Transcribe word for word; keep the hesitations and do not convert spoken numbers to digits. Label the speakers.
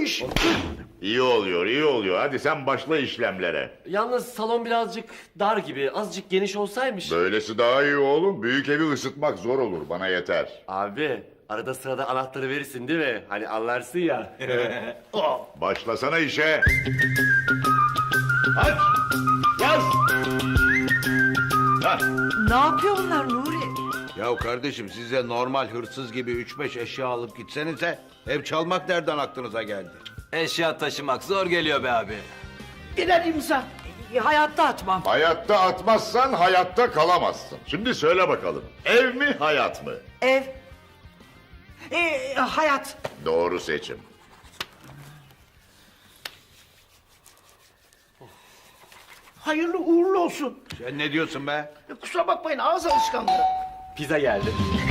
Speaker 1: iş.
Speaker 2: İyi oluyor, iyi oluyor. Hadi sen başla işlemlere.
Speaker 3: Yalnız salon birazcık dar gibi. Azıcık geniş olsaymış.
Speaker 2: Böylesi daha iyi oğlum. Büyük evi ısıtmak zor olur. Bana yeter.
Speaker 3: Abi arada sırada anahtarı verirsin değil mi? Hani anlarsın ya.
Speaker 2: Başlasana işe.
Speaker 1: Aç. Yaz. Hah.
Speaker 4: Ne yapıyor bunlar Nuri?
Speaker 5: Ya kardeşim siz de normal hırsız gibi üç beş eşya alıp gitsenize. Ev çalmak nereden aklınıza geldi?
Speaker 6: Eşya taşımak zor geliyor be abi.
Speaker 1: Birer imza.
Speaker 4: E, hayatta atmam.
Speaker 2: Hayatta atmazsan hayatta kalamazsın. Şimdi söyle bakalım. Ev mi, hayat mı?
Speaker 4: Ev. E, hayat.
Speaker 2: Doğru seçim.
Speaker 1: Hayırlı uğurlu olsun.
Speaker 5: Sen ne diyorsun be?
Speaker 1: E, kusura bakmayın ağız alışkanlığı.
Speaker 3: Pizza geldi.